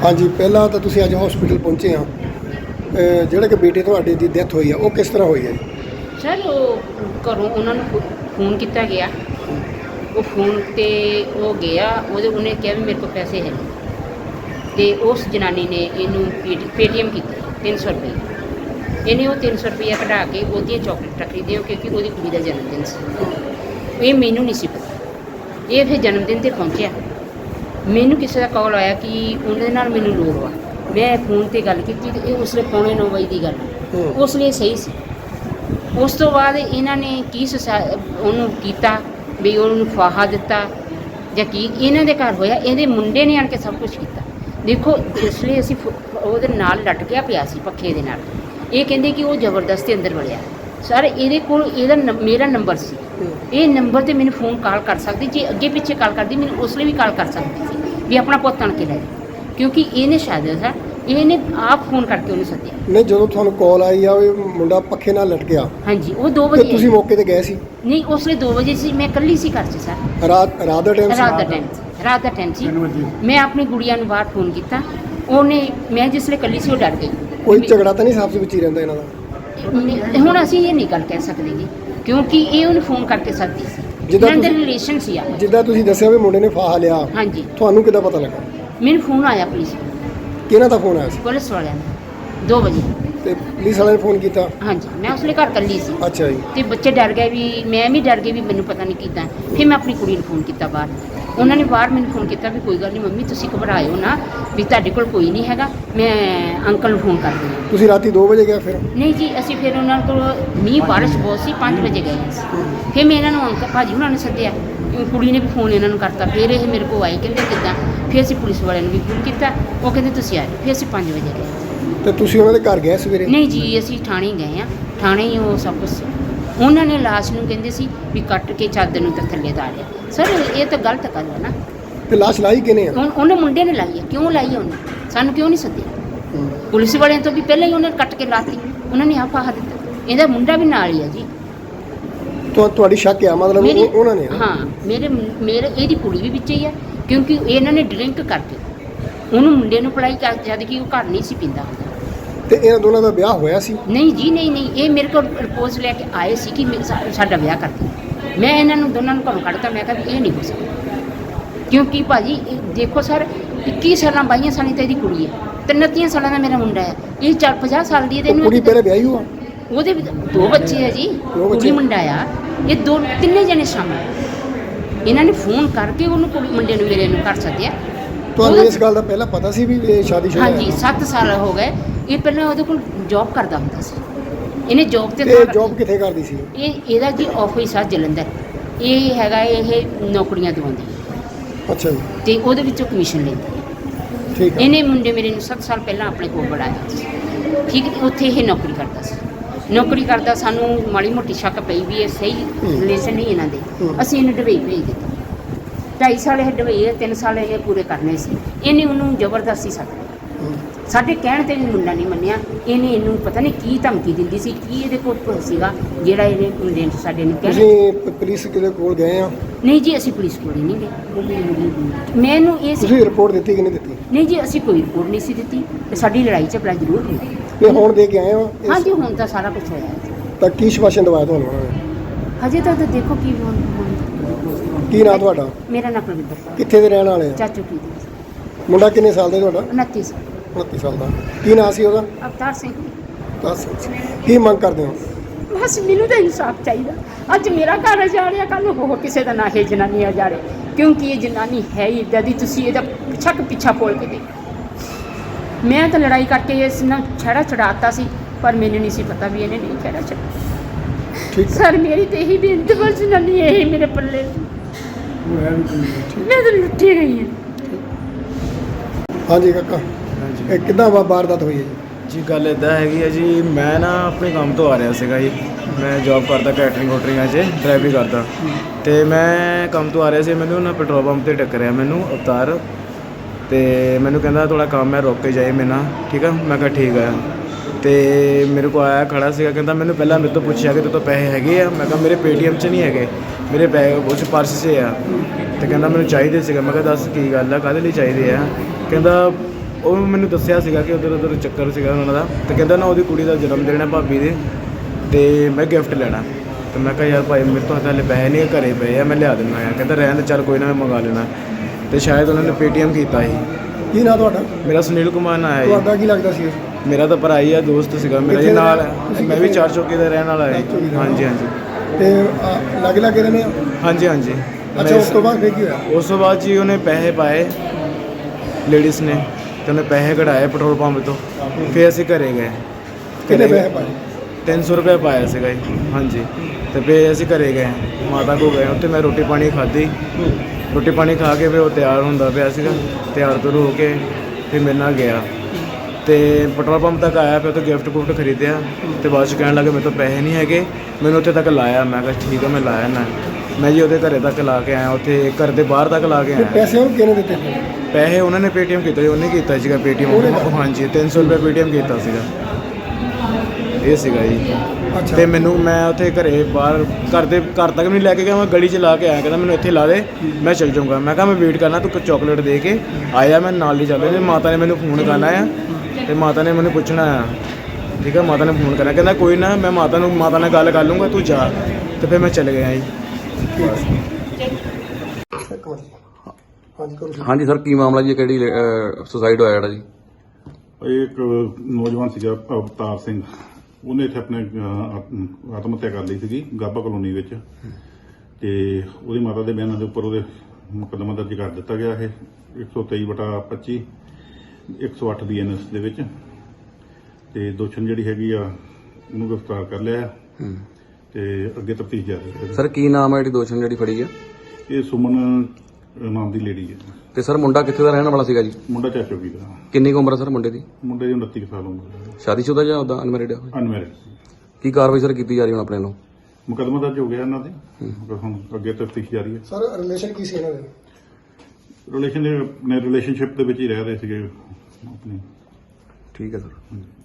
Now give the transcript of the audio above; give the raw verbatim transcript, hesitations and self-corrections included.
हाँ जी, पहला तो तुसीं अज हॉस्पिटल पहुँचे हाँ, जिहड़ा कि बेटे तुहाडे दी डेथ हुई है वो किस तरह हुई है? सर वो घरों उन्होंने फोन किया गया, वो फोन ते वो गया, ਉਹਦੇ ਉਹਨੇ ਕਿਹਾ ਵੀ ਮੇਰੇ ਕੋਲ ਪੈਸੇ ਹੈ ਨਹੀਂ ਤੇ ਉਸ ਜਨਾਨੀ ਨੇ ਇਹਨੂੰ ਪੇਟੀਐਮ ਕੀਤਾ ਤਿੰਨ ਸੌ ਰੁਪਏ। ਇਹਨੇ ਉਹ ਤਿੰਨ ਸੌ ਰੁਪਏ ਕਢਾ ਕੇ ਉਹਦੀਆਂ ਚਾਕਲੇਟ ਖਰੀਦੀਆਂ ਕਿਉਂਕਿ ਉਹਦੀ ਕੁੜੀ ਦਾ ਜਨਮ ਦਿਨ ਸੀ। ਇਹ ਮੈਨੂੰ ਨਹੀਂ ਸੀ ਪਤਾ, ਇਹ ਫਿਰ ਜਨਮ ਦਿਨ ਤੇ ਪਹੁੰਚਿਆ। ਮੈਨੂੰ ਕਿਸੇ ਦਾ ਕਾਲ ਆਇਆ ਕਿ ਉਹਦੇ ਨਾਲ ਮੈਨੂੰ ਲੋੜ ਵਾ। ਮੈਂ ਫੋਨ ਤੇ ਗੱਲ ਕੀਤੀ ਤੇ ਇਹ ਉਸਲੇ ਪੌਣੇ ਨੌ ਵਜੇ ਦੀ ਗੱਲ, ਉਸ ਲਈ ਸਹੀ ਸੀ। ਉਸ ਤੋਂ ਬਾਅਦ ਇਹਨਾਂ ਨੇ ਕੀ ਸੁਸਾ ਉਹਨੂੰ ਕੀਤਾ ਵੀ ਉਹਨੂੰ ਫਾਹਾ ਦਿੱਤਾ ਜਾਂ ਕੀ ਇਹਨਾਂ ਦੇ ਘਰ ਹੋਇਆ। ਇਹਦੇ ਮੁੰਡੇ ਨੇ ਆਣ ਕੇ ਸਭ ਕੁਝ ਕੀਤਾ। ਦੇਖੋ ਜਿਸ ਲਈ ਅਸੀਂ ਉਹਦੇ ਨਾਲ ਲਟਕਿਆ ਪਿਆ ਸੀ ਪੱਖੇ ਦੇ ਨਾਲ, ਇਹ ਕਹਿੰਦੇ ਕਿ ਉਹ ਜ਼ਬਰਦਸਤੀ ਅੰਦਰ ਵੜਿਆ। ਸਰ ਇਹਦੇ ਕੋਲ ਇਹਦਾ ਨ ਮੇਰਾ ਨੰਬਰ ਸੀ, ਇਹ ਨੰਬਰ 'ਤੇ ਮੈਨੂੰ ਫੋਨ ਕਾਲ ਕਰ ਸਕਦੀ, ਜੇ ਅੱਗੇ ਪਿੱਛੇ ਕਾਲ ਕਰਦੀ ਮੈਨੂੰ ਉਸ ਲਈ ਵੀ ਕਾਲ ਕਰ ਸਕਦੀ ਸੀ ਵੀ ਆਪਣਾ ਪੁੱਤ ਆਣ ਕੇ ਲੈ ਜਾ, ਕਿਉਂਕਿ ਇਹਨੇ ਸ਼ਾਇਦ ਸਰ ਇਹਨੇ ਆਪ ਫੋਨ ਕਰਕੇ ਉਹਨੂੰ ਸੱਦਿਆ। ਨਹੀਂ, ਜਦੋਂ ਤੁਹਾਨੂੰ ਕਾਲ ਆਈ ਆ ਵੀ ਮੁੰਡਾ ਪੱਖੇ ਨਾਲ ਲਟਕਿਆ, ਹਾਂਜੀ ਉਹ ਦੋ ਤੇ ਵਜੇ ਤੁਸੀਂ ਮੌਕੇ ਤੇ ਗਏ ਸੀ? ਨਹੀਂ ਉਸ ਲਈ ਦੋ ਵਜੇ ਸੀ, ਮੈਂ ਇਕੱਲੀ ਸੀ ਘਰ 'ਚ ਸਰ। ਰਾਤ ਰਾਤ ਦਾ ਟਾਈਮ ਸੀ? ਰਾਤ ਦਾ ਟਾਈਮ ਸੀ, ਰਾਤ ਦਾ ਟਾਈਮ ਸੀ। ਮੈਂ ਆਪਣੀ ਗੁੜੀਆ ਨੂੰ ਬਾਹਰ ਫੋਨ ਕੀਤਾ, ਉਹਨੇ ਮੈਂ ਜਿਸ ਵੇਲੇ ਇਕੱਲੀ ਸੀ ਉਹ ਡਰ ਗਈ। ਕੋਈ ਝਗੜਾ ਤਾਂ ਨਹੀਂ ਸਾਫ ਵਿੱਚ ਹੀ ਰਹਿੰਦਾ ਇਹਨਾਂ ਦਾ? ਹੁਣ ਅਸੀਂ ਇਹ ਨਹੀਂ ਗੱਲ ਕਹਿ ਸਕਦੇ ਜੀ, ਕਿਉਂਕਿ ਇਹ ਉਹਨੂੰ ਫੋਨ ਕਰਕੇ ਸੱਦਦੀ ਸੀ, ਜਿੱਦਾਂ ਇਹਨਾਂ ਦੇ ਤੁਸੀਂ- ਰਿਲੇਸ਼ਨ ਸੀ ਆ। ਜਿੱਦਾਂ ਤੁਸੀਂ ਦੱਸਿਆ ਵੀ ਮੁੰਡੇ ਨੇ ਫਾਹਾ ਲਿਆ, ਹਾਂਜੀ ਤੁਹਾਨੂੰ ਕਿੱਦਾਂ ਪਤਾ ਲੱਗਾ? ਮੈਨੂੰ ਫੋਨ ਆਇਆ ਪੁਲਿਸ ਕਿਹਨਾਂ ਦਾ ਫੋਨ ਆਇਆ ਸੀ? ਪੁਲਿਸ ਵਾਲਿਆਂ ਦਾ ਦੋ ਵਜੇ। ਤੇ ਪੁਲਿਸ ਵਾਲਿਆਂ ਨੇ ਫੋਨ ਕੀਤਾ? ਹਾਂਜੀ ਮੈਂ ਉਸ ਵੇਲੇ ਘਰ ਇਕੱਲੀ ਸੀ ਅੱਛਾ ਜੀ। ਤੇ ਬੱਚੇ ਡਰ ਗਏ ਵੀ ਮੈਂ ਵੀ ਡਰ ਗਈ ਵੀ ਮੈਨੂੰ ਪਤਾ ਨਹੀਂ ਕਿੱਦਾਂ। ਫਿਰ ਮੈਂ ਆਪਣੀ ਕੁੜੀ ਨੂੰ ਫੋਨ ਕੀਤਾ ਬਾਹਰ, ਉਹਨਾਂ ਨੇ ਬਾਹਰ ਮੈਨੂੰ ਫੋਨ ਕੀਤਾ ਵੀ ਕੋਈ ਗੱਲ ਨਹੀਂ ਮੰਮੀ ਤੁਸੀਂ ਘਬਰਾਇਓ ਨਾ, ਵੀ ਤੁਹਾਡੇ ਕੋਲ ਕੋਈ ਨਹੀਂ ਹੈਗਾ, ਮੈਂ ਅੰਕਲ ਨੂੰ ਫੋਨ ਕਰਦੀ ਹਾਂ। ਤੁਸੀਂ ਰਾਤੀ ਦੋ ਵਜੇ ਗਏ ਫਿਰ? ਨਹੀਂ ਜੀ ਅਸੀਂ ਫਿਰ ਉਹਨਾਂ ਕੋਲ ਮੀਂਹ ਬਾਰਿਸ਼ ਬਹੁਤ ਸੀ, ਪੰਜ ਵਜੇ ਗਏ ਸੀ। ਫਿਰ ਮੈਂ ਇਹਨਾਂ ਨੂੰ ਅੰਕਲ ਭਾਜੀ ਉਹਨਾਂ ਨੇ ਸੱਦਿਆ, ਕੁੜੀ ਨੇ ਵੀ ਫੋਨ ਇਹਨਾਂ ਨੂੰ ਕਰਤਾ। ਫਿਰ ਇਹ ਮੇਰੇ ਕੋਲ ਆਏ, ਕਹਿੰਦੇ ਕਿੱਦਾਂ। ਫਿਰ ਅਸੀਂ ਪੁਲਿਸ ਵਾਲਿਆਂ ਨੂੰ ਵੀ ਫੋਨ ਕੀਤਾ, ਉਹ ਕਹਿੰਦੇ ਤੁਸੀਂ ਆਏ। ਫਿਰ ਅਸੀਂ ਪੰਜ ਵਜੇ ਗਏ। ਤੇ ਤੁਸੀਂ ਉਹਨਾਂ ਦੇ ਘਰ ਗਏ ਸਵੇਰੇ? ਨਹੀਂ ਜੀ ਅਸੀਂ ਥਾਣੇ ਗਏ ਆ, ਥਾਣੇ ਹੀ ਉਹ ਸਭ ਕੁਛ। ਉਹਨਾਂ ਨੇ ਲਾਸ਼ ਨੂੰ ਕਹਿੰਦੇ ਸੀ ਵੀ ਕੱਟ ਕੇ ਚਾਦਰ ਨੂੰ ਤਾਂ ਥੱਲੇ ਤਾਰਿਆ। ਸਰ ਇਹ ਤਾਂ ਗਲਤ ਗੱਲ ਹੈ ਨਾ। ਤੇ ਲਾਸ਼ ਲਾਈ ਕਿਨੇ ਆ? ਹੁਣ ਉਹਨੇ ਮੁੰਡੇ ਨੇ ਲਾਈ ਹੈ, ਕਿਉਂ ਲਾਈ ਹੈ ਉਹਨੇ? ਸਾਨੂੰ ਕਿਉਂ ਨਹੀਂ ਸੱਦਿਆ? ਪੁਲਿਸ ਵਾਲਿਆਂ ਤੋਂ ਵੀ ਪਹਿਲਾਂ ਹੀ ਉਹਨੇ ਕੱਟ ਕੇ ਲਾਤੀ, ਉਹਨਾਂ ਨੇ ਆਪ ਆਹ ਦਿੱਤਾ। ਇਹਦਾ ਮੁੰਡਾ ਵੀ ਨਾਲ ਹੀ ਆ ਜੀ। ਤੁਹਾ ਤੁਹਾਡੀ ਸ਼ੱਕ ਆ ਮਤਲਬ ਮੇਰੀ- ਉਹ- ਉਹਨਾਂ ਨੇ? ਹਾਂ ਮੇਰੇ ਮੇਰੇ ਇਹਦੀ ਕੁੜੀ ਵੀ ਵਿੱਚ ਹੀ ਹੈ, ਕਿਉਂਕਿ ਇਹਨਾਂ ਨੇ ਡਰਿੰਕ ਕਰਕੇ ਉਹਨੂੰ ਮੁੰਡੇ ਨੂੰ ਪੜਾਈ ਕਰ, ਜਦ ਕਿ ਉਹ ਘਰ ਨਹੀਂ ਸੀ ਪੀਂਦਾ ਹੁੰਦਾ। ਤੇ ਇਹਨਾਂ ਦੋਨਾਂ ਦਾ ਵਿਆਹ ਹੋਇਆ ਸੀ? ਨਹੀਂ ਜੀ ਨਹੀਂ ਨਹੀਂ, ਇਹ ਮੇਰੇ ਕੋਲ ਪ੍ਰਪੋਜ਼ ਲੈ ਕੇ ਆਏ ਸੀ ਕਿ ਮੇ- ਸਾ- ਸਾਡਾ ਵਿਆਹ ਕਰ ਦਿਓ। ਮੈਂ ਇਹਨਾਂ ਨੂੰ ਦੋਨਾਂ ਨੂੰ ਘਰੋਂ ਕੱਢਤਾ। ਮੈਂ ਕਿਹਾ ਵੀ ਇਹ ਨਹੀਂ ਹੋ ਸਕਦਾ, ਕਿਉਂਕਿ ਭਾਜੀ ਇਹ ਦੇਖੋ ਸਰ ਇੱਕੀ ਸਾਲਾਂ ਬਾਈਆਂ ਸਾਲਾਂ ਦੀ ਇਹਦੀ ਕੁੜੀ ਹੈ ਤੇ ਉਨੱਤੀ ਸਾਲਾਂ ਦਾ ਮੇਰਾ ਮੁੰਡਾ ਹੈ। ਇਹ ਚਾਰ ਪੰਜਾਹ ਸਾਲ ਦੀ ਹੈ ਤੇ ਉਹ ਕੁੜੀ ਇਹਨੂੰ ਪਹਿਲੇ ਵਿਆਹੀ ਹੋਆ? ਉਹਦੇ ਵੀ ਦੋ ਬੱਚੇ ਹੈ ਜੀ, ਦੋ ਬੱਚੇ? ਕੁੜੀ ਮੁੰਡਾ ਆ। ਇਹ ਦੋ ਤਿੰਨੇ ਜਣੇ ਸ਼ਾਮਲ। ਇਹਨਾਂ ਨੇ ਫੋਨ ਕਰਕੇ ਉਹਨੂੰ ਕੁੜੀ ਮੁੰਡੇ ਨੂੰ ਮੇਰੇ ਨੂੰ ਕਰ ਸੱਦਿਆ। ਤੁਹਾਨੂੰ ਉਹਦਾ- ਇਸ ਗੱਲ ਦਾ ਪਹਿਲਾਂ ਪਤਾ ਸੀ ਵੀ ਇਹ ਸ਼ਾਦੀशुदा ਹੈ? ਹਾਂਜੀ ਸੱਤ ਸਾਲ ਹੋ ਗਏ। ਇਹ ਪਹਿਲਾਂ ਉਹਦੇ ਕੋਲ ਜੌਬ ਕਰਦਾ ਹੁੰਦਾ ਸੀ। ਇਹਨੇ ਜੌਬ ਤੇ ਤੇ ਥਾਂ- ਜੌਬ ਕਿੱਥੇ ਕਰਦੀ ਸੀ? ਇਹ ਇਹਦਾ ਜੀ ਆਫਿਸ ਆ ਜਲੰਧਰ। ਇਹ ਹੈਗਾ ਇਹ ਨੌਕਰੀਆਂ ਦਵਾਉਂਦੀ ਹੈ ਅੱਛਾ ਜੀ, ਤੇ ਉਹਦੇ ਵਿੱਚੋਂ ਕਮਿਸ਼ਨ ਲੈਂਦੀ ਹੈ। ਠੀਕ ਹੈ। ਇਹਨੇ ਮੁੰਡੇ ਮੇਰੇ ਨੂੰ ਸੱਤ ਸਾਲ ਪਹਿਲਾਂ ਆਪਣੇ ਕੋਲ ਬੜਾਇਆ ਸੀ, ਠੀਕ ਹੈ। ਉੱਥੇ ਇਹ ਨੌਕਰੀ ਕਰਦਾ ਸੀ, ਨੌਕਰੀ ਕਰਦਾ। ਸਾਨੂੰ ਮਾੜੀ ਮੋਟੀ ਸ਼ੱਕ ਪਈ ਵੀ ਇਹ ਸਹੀ ਰਿਲੇਸ਼ਨ ਨਹੀਂ ਇਹਨਾਂ ਦੇ। ਹੂੰ। ਅਸੀਂ ਇਹਨੂੰ ਡੁਬਈ ਭੇਜ ਦਿੱਤਾ। ਢਾਈ ਸਾਲ ਇਹ ਡੁਬਈ ਹੈ, ਤਿੰਨ ਸਾਲ ਇਹਨੇ ਪੂਰੇ ਕਰਨੇ ਸੀ। ਇਹਨੇ ਉਹਨੂੰ ਜ਼ਬਰਦਸਤੀ ਸੱਦ ਲਿਆ। ਹੂੰ। ਸਾਡੇ ਕਹਿਣ ਤੇ ਵੀ ਮੁੰਡਾ ਨਹੀਂ ਮੰਨਿਆ। ਇਹਨੇ ਇਹਨੂੰ ਪਤਾ ਨਹੀਂ ਕੀ ਧਮਕੀ ਦਿੰਦੀ ਸੀ, ਕੀ ਇਹਦੇ ਕੋਲ ਸੀਗਾ ਜਿਹੜਾ ਇਹਨੇ ਮੁੰਡੇ ਨੂੰ ਸਾਡੇ ਨੂੰ ਕਹਿ। ਤੁਸੀਂ ਪ- ਪੁਲਿਸ ਕਿਹਦੇ ਕੋਲ ਗਏ ਆ? ਨਹੀਂ ਜੀ ਅਸੀਂ ਪੁਲਿਸ ਕੋਲ ਹੀ ਨਹੀਂ ਗਏ। ਮੈਨੂੰ ਇਹ ਸੀ- ਤੁਸੀਂ ਰਿਪੋਰਟ ਦਿੱਤੀ ਕਿ ਨਹੀਂ ਦਿੱਤੀ? ਨਹੀਂ ਜੀ ਅਸੀਂ ਕੋਈ ਰਿਪੋਰਟ ਨਹੀਂ ਸੀ ਦਿੱਤੀ ਤੇ ਸਾਡੀ ਲੜਾਈ ਝਗੜਾ ਜ਼ਰੂਰ ਹੋਈ। ਤੇ ਹੁਣ ਦੇ ਕੇ ਆਏ ਹੋ? ਇਸ- ਹਾਂਜੀ ਹੁਣ ਤਾਂ ਸਾਰਾ ਕੁਝ ਹੋਇਆ ਹੈ। ਤਾਂ ਕੀ ਸ਼ਵਾਸ਼ਨ ਦਵਾਇਆ ਤੁਹਾਨੂੰ ਉਹਨਾਂ ਨੇ? ਹਜੇ ਤੱਕ ਤਾਂ ਦੇਖੋ ਕੀ ਹੁਣ ਹੁਣ- ਕੀ ਨਾਂ ਤੁਹਾਡਾ? ਮੇਰਾ ਨਾਂ ਕੁਲਵਿੰਦਰ ਕੌਰ, ਕਿੱਥੇ ਦੇ ਰਹਿਣ ਵਾਲੇ ਆ? ਚਾਚੂ ਕੀ ਦੀ ਮੁੰਡਾ ਕਿੰਨੇ ਸਾਲ ਦਾ ਤੁਹਾਡਾ? ਉਨੱਤੀ ਸਾਲ। ਉਨੱਤੀ ਸਾਲ ਦਾ। ਕੀ ਨਾਂ ਸੀ ਉਹਦਾ? ਅਵਤਾਰ ਸਿੰਘ। ਦੱਸ। ਕੀ ਮੰਗ ਕਰਦੇ ਹੋ? ਬਸ ਮੈਨੂੰ ਤਾਂ ਇਨਸਾਫ ਚਾਹੀਦਾ। ਅੱਜ ਮੇਰਾ ਘਰ ਆ ਜਾ ਰਿਹਾ, ਕੱਲ੍ਹ ਨੂੰ ਹੋਰ ਕਿਸੇ ਦਾ ਨਾ ਇਹ ਜਨਾਨੀ ਆ ਜਾ ਰਹੇ, ਕਿਉਂਕਿ ਇਹ ਜਨਾਨੀ ਹੈ ਹੀ ਇੱਦਾਂ ਦੀ। ਤੁਸੀਂ ਇਹਦਾ ਛੱਕ ਪਿੱਛਾ ਪੋਲ ਕੇ ਦੇਖੋ। ਮੈਂ ਤਾਂ ਲੜਾਈ ਕਰਕੇ ਇਸ ਨਾਲ ਛੜਾ ਚੜਾਤਾ ਸੀ, ਪਰ ਮੈਨੂੰ ਨਹੀਂ ਸੀ ਪਤਾ ਵੀ ਇਹਨੇ ਨਹੀਂ ਛੜਾ ਚੜਾ। ਠੀਕ ਹੈ। ਸਰ ਮੇਰੀ ਤੇ ਇਹੀ ਬੇਨਤੀ ਬਸ ਜਨਾਨੀ ਇਹੀ ਮੇਰੇ ਪੱਲੇ। ਮੈਂ ਤਾਂ ਲੁੱਟੀ ਗਈ ਹਾਂ। ਹਾਂਜੀ ਕਾਕਾ, ਹਾਂਜੀ ਇਹ ਕਿੱਦਾਂ ਵਾ ਵਾਰਦਾਤ ਹੋਈ ਹੈ ਜੀ? ਜੀ ਗੱਲ ਇੱਦਾਂ ਹੈਗੀ ਹੈ ਜੀ, ਮੈਂ ਨਾ ਆਪਣੇ ਕੰਮ ਤੋਂ ਆ ਰਿਹਾ ਸੀਗਾ ਜੀ। ਮੈਂ ਜੌਬ ਕਰਦਾ ਕੈਟਰਿੰਗ ਕੋਟਰਿੰਗਾਂ 'ਚ, ਡਰਾਈਵਰੀ ਕਰਦਾ। ਅਤੇ ਮੈਂ ਕੰਮ ਤੋਂ ਆ ਰਿਹਾ ਸੀ, ਮੈਨੂੰ ਨਾ ਪੈਟਰੋਲ ਪੰਪ 'ਤੇ ਟੱਕਰਿਆ ਮੈਨੂੰ ਅਵਤਾਰ। ਅਤੇ ਮੈਨੂੰ ਕਹਿੰਦਾ ਥੋੜ੍ਹਾ ਕੰਮ ਹੈ, ਰੁਕ ਕੇ ਜਾਏ ਮੇਰੇ ਨਾਲ, ਠੀਕ ਆ। ਮੈਂ ਕਿਹਾ ਠੀਕ ਆ। ਅਤੇ ਮੇਰੇ ਕੋਲ ਆਇਆ ਖੜ੍ਹਾ ਸੀਗਾ, ਕਹਿੰਦਾ ਮੈਨੂੰ ਪਹਿਲਾਂ ਮੇਰੇ ਤੋਂ ਪੁੱਛਿਆ ਕਿ ਤੇਰੇ ਤੋਂ ਪੈਸੇ ਹੈਗੇ ਆ? ਮੈਂ ਕਿਹਾ ਮੇਰੇ ਪੇਟੀਐਮ 'ਚ ਨਹੀਂ ਹੈਗੇ, ਮੇਰੇ ਬੈਗ ਉਸ ਪਰਸ 'ਚ ਆ। ਅਤੇ ਕਹਿੰਦਾ ਮੈਨੂੰ ਚਾਹੀਦੇ ਸੀਗਾ। ਮੈਂ ਕਿਹਾ ਦੱਸ ਕੀ ਗੱਲ ਆ, ਕਾਹਦੇ ਲਈ ਚਾਹੀਦੇ ਆ? ਕਹਿੰਦਾ ਉਹ ਮੈਨੂੰ ਦੱਸਿਆ ਸੀਗਾ ਕਿ ਉਧਰ ਉਧਰ ਚੱਕਰ ਸੀਗਾ ਉਹਨਾਂ ਦਾ, ਤੇ ਕਹਿੰਦਾ ਨਾ ਉਹਦੀ ਕੁੜੀ ਦਾ ਜਨਮ ਦਿਨ ਹੈ ਭਾਬੀ ਦੇ, ਤੇ ਮੈਂ ਗਿਫਟ ਲੈਣਾ। ਤੇ ਮੈਂ ਕਿਹਾ ਯਾਰ ਭਾਈ ਮੇਰੇ ਤੋਂ ਹਲੇ ਪੈਸੇ ਨਹੀਂ, ਘਰੇ ਪਏ ਆ, ਮੈਂ ਲਿਆ ਦਿੰਦਾ ਆ। ਕਹਿੰਦਾ ਰਹਿਣ ਦੇ, ਚੱਲ ਕੋਈ ਨਾ ਮੈਂ ਮੰਗਾ ਲੈਣਾ। ਤੇ ਸ਼ਾਇਦ ਉਹਨਾਂ ਨੇ ਪੇਟੀਐਮ ਕੀਤਾ ਸੀ। ਕੀ ਨਾਂ ਤੁਹਾਡਾ? ਮੇਰਾ ਸੁਨੀਲ ਕੁਮਾਰ ਨਾਂ ਹੈ ਜੀ। ਤੁਹਾਡਾ ਕੀ ਲੱਗਦਾ ਸੀ? ਮੇਰਾ ਤਾਂ ਭਰਾ ਹੀ ਆ, ਦੋਸਤ ਸੀਗਾ ਮੇਰਾ ਜੀ ਕਿੱਥੇ ਨਾਲ। ਤੁਸੀਂ ਮੈਂ ਵੀ ਕਿੱਥੇ? ਚਾਰ ਚੌਕੀ ਦਾ ਰਹਿਣ ਵਾਲਾ ਹੈ। ਚਾਰ ਚੌਕੀ ਦਾ। ਹਾਂਜੀ ਹਾਂਜੀ ਤੇ ਲੱਗ ਲੱਗੇ ਰਹਿੰਦੇ ਆ? ਹਾਂਜੀ ਹਾਂਜੀ। ਅੱਛਾ, ਮੈਂ ਉਸ ਤੋਂ ਬਾਅਦ ਫਿਰ ਕੀ ਹੋਇਆ? ਉਸ ਤੋਂ ਬਾਅਦ ਜੀ ਉਹਨੇ ਪੈਸੇ ਪਾਏ ਲੇਡੀਜ਼ ਨੇ, ਤੇ ਉਹਨੇ ਪੈਸੇ ਕਢਾਏ ਪੈਟਰੋਲ ਪੰਪ ਤੋਂ। ਫਿਰ ਅਸੀਂ ਘਰੇ ਗਏ। ਕਿੰਨੇ ਪੈਸੇ ਪਾਏ? ਤਿੰਨ ਸੌ ਰੁਪਏ ਪਾਇਆ ਸੀਗਾ ਜੀ। ਹਾਂਜੀ। ਤੇ ਫਿਰ ਅਸੀਂ ਘਰੇ ਗਏ, ਮਾਤਾ ਕੋਲ ਗਏ, ਉੱਥੇ ਮੈਂ ਰੋਟੀ ਪਾਣੀ ਖਾਧੀ। ਰੋਟੀ ਪਾਣੀ ਖਾ ਕੇ ਫਿਰ ਉਹ ਤਿਆਰ ਹੁੰਦਾ ਪਿਆ ਸੀਗਾ, ਤਿਆਰ ਤੋਂ ਹੋ ਕੇ ਫਿਰ ਮੇਰੇ ਨਾਲ ਗਿਆ ਤੇ ਪੈਟਰੋਲ ਪੰਪ ਤੱਕ ਆਇਆ। ਫਿਰ ਉੱਥੇ ਗਿਫਟ ਗੁਫਟ ਖਰੀਦਿਆ ਤੇ ਬਾਅਦ 'ਚ ਕਹਿਣ ਲੱਗੇ ਮੇਰੇ ਤੋਂ ਪੈਸੇ ਨਹੀਂ ਹੈਗੇ। ਮੈਨੂੰ ਉੱਥੇ ਤੱਕ ਲਾਇਆ। ਮੈਂ ਕਿਹਾ ਠੀਕ ਆ, ਮੈਂ ਲਾਇਆ ਨਾ। ਮੈਂ ਜੀ ਉਹਦੇ ਘਰੇ ਤੱਕ ਲਾ ਕੇ ਆਇਆ, ਉੱਥੇ ਘਰ ਦੇ ਬਾਹਰ ਤੱਕ ਲਾ ਕੇ ਫਿਰ ਆਇਆ। ਪੈਸੇ ਉਹ ਕਿਹਨੇ ਦਿੱਤੇ? ਪੈਸੇ ਉਹਨਾਂ ਨੇ ਪੇਟੀਐਮ ਕੀਤਾ ਜੀ, ਉਹਨੇ ਕੀਤਾ ਸੀਗਾ ਪੇਟੀਐਮ। ਹਾਂਜੀ, ਤਿੰਨ ਸੌ ਰੁਪਏ ਪੇਟੀਐਮ ਕੀਤਾ ਸੀਗਾ। ਇਹ ਸੀਗਾ ਜੀ। ਅੱਛਾ। ਤੇ ਮੈਨੂੰ ਮੈਂ ਉੱਥੇ ਘਰੇ ਬਾਹਰ ਘਰ ਦੇ ਘਰ ਤੱਕ ਨਹੀਂ ਲੈ ਕੇ ਗਿਆ, ਮੈਂ ਗਲੀ 'ਚ ਲਾ ਕੇ ਆਇਆ। ਕਹਿੰਦਾ ਮੈਨੂੰ ਇੱਥੇ ਲਾ ਦੇ, ਮੈਂ ਚੱਲ ਜਾਊਂਗਾ। ਮੈਂ ਕਿਹਾ ਮੈਂ ਵੇਟ ਕਰਨਾ, ਤੂੰ ਚਾਕਲੇਟ ਦੇ ਕੇ ਆਇਆ, ਮੈਂ ਨਾਲ ਹੀ ਚੱਲਦਾ। ਤੇ ਮਾਤਾ ਨੇ ਮੈਨੂੰ ਫੋਨ ਕਰਨਾ ਆ, ਤੇ ਮਾਤਾ ਨੇ ਮੈਨੂੰ ਪੁੱਛਣਾ ਆ। ਠੀਕ ਆ, ਮਾਤਾ ਨੇ ਫੋਨ ਕਰਨਾ, ਕਹਿੰਦਾ ਕੋਈ ਨਾ, ਮੈਂ ਮਾਤਾ ਨੂੰ ਮਾਤਾ ਨਾਲ ਗੱਲ ਕਰ ਲੂੰਗਾ, ਤੂੰ ਜਾ। ਤੇ ਫਿਰ ਮੈਂ ਚੱਲ ਗਿਆ ਜੀ। ਇੱਕ ਮਿੰਟ। ਹਾਂਜੀ ਕਰੋ। ਹਾਂਜੀ ਸਰ, ਕੀ ਮਾਮਲਾ ਜੀ? ਕਿਹੜੀ ਸੁਸਾਈਡ ਹੋਇਆ ਜਿਹੜਾ ਜੀ? ਇਹ ਇੱਕ ਨੌਜਵਾਨ ਸੀਗਾ ਅਵਤਾਰ ਸਿੰਘ, ਉਹਨੇ ਇੱਥੇ ਆਪਣੇ ਅਹ, ਆਤਮ ਹੱਤਿਆ ਕਰ ਲਈ ਸੀਗੀ ਗਾਬਾ ਕਲੋਨੀ ਵਿੱਚ, ਤੇ ਉਹਦੀ ਮਾਤਾ ਦੇ ਬਿਆਨਾਂ ਦੇ ਉੱਪਰ ਉਹਦੇ ਮੁਕੱਦਮਾ ਦਰਜ ਕਰ ਦਿੱਤਾ ਗਿਆ। ਇਹ ਇੱਕ ਸੌ ਤੇਈ ਬਟਾ ਪੱਚੀ ਇੱਕ ਸੌ ਅੱਠ ਬੀ ਐਨ ਐਸ ਦੇ ਵਿੱਚ, ਤੇ ਦੋਸ਼ਣ ਜਿਹੜੀ ਹੈਗੀ ਆ ਉਹਨੂੰ ਗ੍ਰਿਫਤਾਰ ਕਰ ਲਿਆ ਤੇ ਅੱਗੇ ਤਫਤੀਸ਼ ਜਾਰੀ ਹੈ। ਸਰ ਕੀ ਨਾਮ ਹੈ ਜਿਹੜੀ ਦੋਸ਼ਣ ਜਿਹੜੀ ਫੜੀ ਹੈ? ਇਹ ਸੁਮਨ ਨਾਮ ਦੀ ਲੇਡੀ ਹੈ। ਤੇ ਸਰ ਮੁੰਡਾ ਕਿੱਥੇ ਦਾ ਰਹਿਣ ਵਾਲਾ ਸੀਗਾ ਜੀ? ਮੁੰਡਾ ਚਾਚੋਗੀ ਦਾ। ਕਿੰਨੀ ਕੁ ਉਮਰ ਹੈ ਸਰ ਮੁੰਡੇ ਦੀ? ਮੁੰਡੇ ਦੀ ਉਨੱਤੀ ਕੁ ਸਾਲ ਉਮਰ ਹੈ। ਸ਼ਾਦੀशुदा ਜਾਂ ਉਦਾਂ ਅਨਮੈਰਿਡ ਹੈ? ਅਨਮੈਰਿਡ। ਕੀ ਕਾਰਵਾਈ ਸਰ ਕੀਤੀ ਜਾ ਰਹੀ ਹੁਣ ਆਪਣੇ ਨੂੰ? ਮੁਕੱਦਮਾ ਦਰਜ ਹੋ ਗਿਆ ਇਹਨਾਂ ਦੇ, ਹੁਣ ਅੱਗੇ ਤਫਤੀਸ਼ ਜਾਰੀ ਹੈ। ਸਰ ਰਿਲੇਸ਼ਨ ਕੀ ਸੀ ਇਹਨਾਂ ਦੇ? ਰਿਲੇਸ਼ਨ ਨੇ ਰਿਲੇਸ਼ਨਸ਼ਿਪ ਦੇ ਵਿੱਚ ਹੀ ਰਹਿ ਰਹੇ ਸੀਗੇ ਆਪਣੀ। ਠੀਕ ਹੈ ਸਰ।